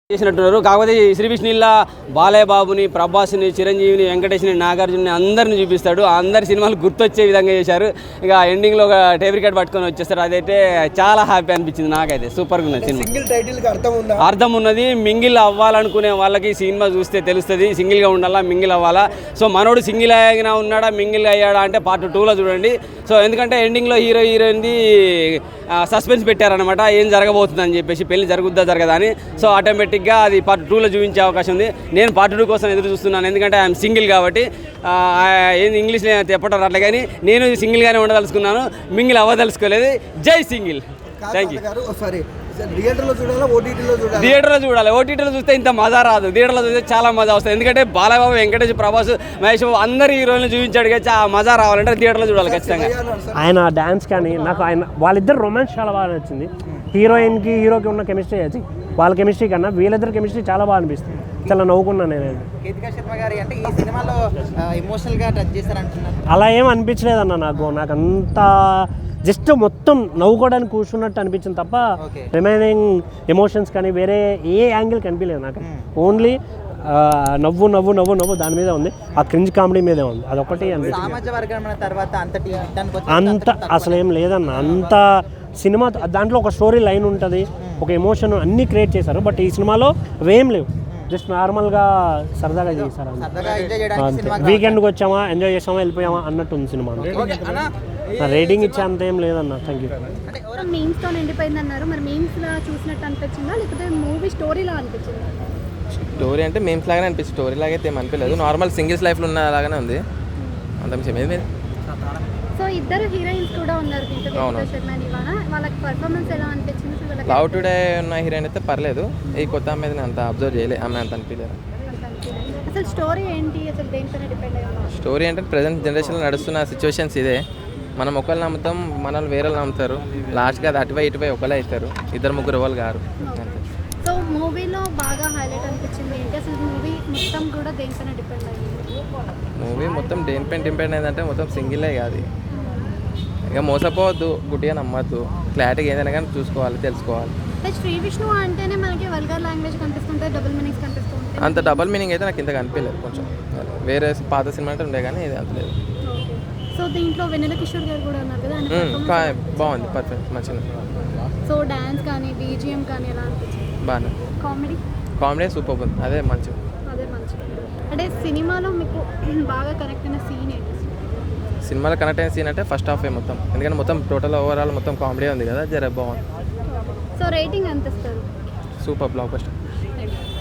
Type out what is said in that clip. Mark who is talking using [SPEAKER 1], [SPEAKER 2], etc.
[SPEAKER 1] చేసినట్టున్నారు. కాకపోతే శ్రీ విష్ణుల్లా బాలయ్య బాబుని, ప్రభాస్ని, చిరంజీవిని, వెంకటేష్ని, నాగార్జునని అందరిని చూపిస్తాడు. అందరి సినిమాలు గుర్తొచ్చే విధంగా చేశారు. ఇక ఎండింగ్లో ఒక టేబుల్ కార్డ్ పట్టుకొని వచ్చేస్తారు. అదైతే చాలా హ్యాపీ అనిపించింది నాకైతే. సూపర్గా ఉన్నది సినిమా. అర్థం ఉన్నది. మింగిల్ అవ్వాలనుకునే వాళ్ళకి సినిమా చూస్తే తెలుస్తుంది. సింగిల్గా ఉండాలా, మింగిల్ అవ్వాలా. సో మనోడు సింగిల్ అయినా ఉన్నాడా, మింగిల్ అయ్యాడా అంటే పార్ట్ 2లో చూడండి. సో ఎందుకంటే ఎండింగ్లో హీరోయిన్ది సస్పెన్స్ పెట్టారనమాట, ఏం జరగబోతుందని చెప్పేసి, పెళ్లి జరుగుద్దా జరగదా అని. సో ఆటోమేటిక్గా అది పార్ట్ 2లో చూపించే అవకాశం ఉంది. నేను పార్ట్ 2 కోసం ఎదురు చూస్తున్నాను. ఎందుకంటే ఐఎమ్ సింగిల్ కాబట్టి. ఏంది ఇంగ్లీష్లో చెప్పడం అట్లా, కానీ నేను సింగిల్గానే ఉండదలుచుకున్నాను, మింగిల్ అవ్వదలుచుకోలేదు. జై సింగిల్. Thank you. థియేటర్లో చూడాలి. ఓటీటీలో చూస్తే ఇంత మజా రాదు. థియేటర్లో చూస్తే చాలా మజా వస్తుంది. ఎందుకంటే బాలయ్యబాబు, వెంకటేష్, ప్రభాస్, మహేష్ బాబు అందరు హీరోలను చూపించాడు కదా, ఆ మజా రావాలంటే థియేటర్లో చూడాలి ఖచ్చితంగా.
[SPEAKER 2] ఆయన డ్యాన్స్ కానీ నాకు వాళ్ళిద్దరు రొమాన్స్ చాలా బాగా నచ్చింది. హీరోయిన్కి హీరోకి ఉన్న కెమిస్ట్రీ వచ్చి వాళ్ళ కెమిస్ట్రీ కన్నా వీళ్ళిద్దరు కెమిస్ట్రీ చాలా బాగా అనిపిస్తుంది. చాలా నవ్వుకున్నాను నేను. అలా ఏం అనిపించలేదన్న నాకు అంత జస్ట్ మొత్తం నవ్వుకోవడానికి కూర్చున్నట్టు అనిపించింది తప్ప రిమైనింగ్ ఎమోషన్స్ కానీ వేరే ఏ యాంగిల్ కనిపించలేదు నాకు. ఓన్లీ నవ్వు నవ్వు నవ్వు నవ్వు దాని మీద ఉంది. ఆ క్రింజ్ కామెడీ మీదే ఉంది. అదొకటి అనిపించింది. అంత అసలు ఏం లేదన్న. అంత సినిమా దాంట్లో ఒక స్టోరీ లైన్ ఉంటుంది, ఒక ఎమోషన్ అన్నీ క్రియేట్ చేశారు. బట్ ఈ సినిమాలో అవేం లేవు. జస్ట్ నార్మల్గా సరదాగా చేశారు. వీకెండ్కి వచ్చామా, ఎంజాయ్ చేసామా, వెళ్ళిపోయామా అన్నట్టు ఉంది సినిమా. రేటింగ్ ఇచ్చే అంత ఏం లేదన్న. Thank you.
[SPEAKER 3] మీమ్స్తో నిండిపోయింది అన్నారు. మరి మీమ్స్లా చూసినట్టు అనిపించిందా, లేకపోతే మూవీ స్టోరీలా అనిపించిందా?
[SPEAKER 4] స్టోరీ అంటే మీమ్స్ లాగానే అనిపిస్తుంది. స్టోరీ లాగా అయితే ఏం అనిపించలేదు. నార్మల్ సింగిల్స్ లైఫ్లో ఉన్న లాగానే ఉంది. అంత విషయం ఏది.
[SPEAKER 3] సో ఇద్దరు హీరోయిన్స్ కూడా ఉన్నారు దీంట్లో, శర్మ నివాన. వాళ్ళకి పర్ఫార్మెన్స్ ఎలా అనిపించింది?
[SPEAKER 4] లవ్ టుడే ఉన్న హీరోయిన్ అయితే పర్లేదు. ఈ కొత్త అమ్మాయి నేను అంత అబ్జర్వ్ చేయలేదు. ఆమె అంత అనిపించలేదు.
[SPEAKER 3] అసలు స్టోరీ ఏంటి? అసలు దేనిపైన డిపెండ్ అయ్యారు?
[SPEAKER 4] స్టోరీ అంటే ప్రజెంట్ జనరేషన్లో నడుస్తున్న సిచ్యువేషన్స్ ఇదే. మనం ఒకళ్ళు నమ్ముతాం, మనల్ని వేరే నమ్ముతారు. లాస్ట్గా అది అటువై ఇటువై ఒకళ్ళే అవుతారు. ఇద్దరు ముగ్గురు వాళ్ళు గారు.
[SPEAKER 3] సో మూవీలో బాగా హైలైట్ అనిపించింది ఏంటి? అసలు మూవీ మొత్తం కూడా దేనిపైన డిపెండ్ అయ్యింది?
[SPEAKER 4] మూవీ మొత్తం దేనిపైన డిపెండ్ అయిందంటే మొత్తం సింగిలే కాదు. ఇక మోసపోవద్దు, గుడ్డిగా నమ్మద్దు. క్లారిటీగా ఏదైనా కానీ చూసుకోవాలి, తెలుసుకోవాలి.
[SPEAKER 3] శ్రీ విష్ణు అంటేనే మనకి వల్గర్ లాంగ్వేజ్ కనిపిస్తుంటాయి, డబుల్ మీనింగ్స్ కనిపిస్తుంటాయి.
[SPEAKER 4] అంత డబుల్ మీనింగ్ అయితే నాకు ఇంత కనిపించలేదు. కొంచెం వేరే పాత సినిమా అంటే ఉండే కానీ ఇది అంత లేదు.
[SPEAKER 3] సో దీంట్లో వెన్నెల కిషోర్ గారు కూడా ఉన్నారు కదా,
[SPEAKER 4] బాగుంది, పర్ఫెక్ట్, మంచిగా.
[SPEAKER 3] సో డాన్స్ కానీ బీజిఎం కానీ ఎలా అనిపించింది?
[SPEAKER 4] బాగా. కామెడీ సూపర్ ఉంది. అదే మంచిగా.
[SPEAKER 3] అంటే సినిమాలో మీకు బాగా కనెక్ట్ అయిన సీన్ ఏంటి?
[SPEAKER 4] సినిమాలో కనెక్ట్ అయిన సీన్ అంటే ఫస్ట్ హాఫ్ మొత్తం. ఎందుకంటే మొత్తం టోటల్ ఓవరాల్ మొత్తం కామెడీ ఉంది కదా, జర బాగుంది.
[SPEAKER 3] సో రేటింగ్ ఎంత ఇస్తారు?
[SPEAKER 4] Super, block buster.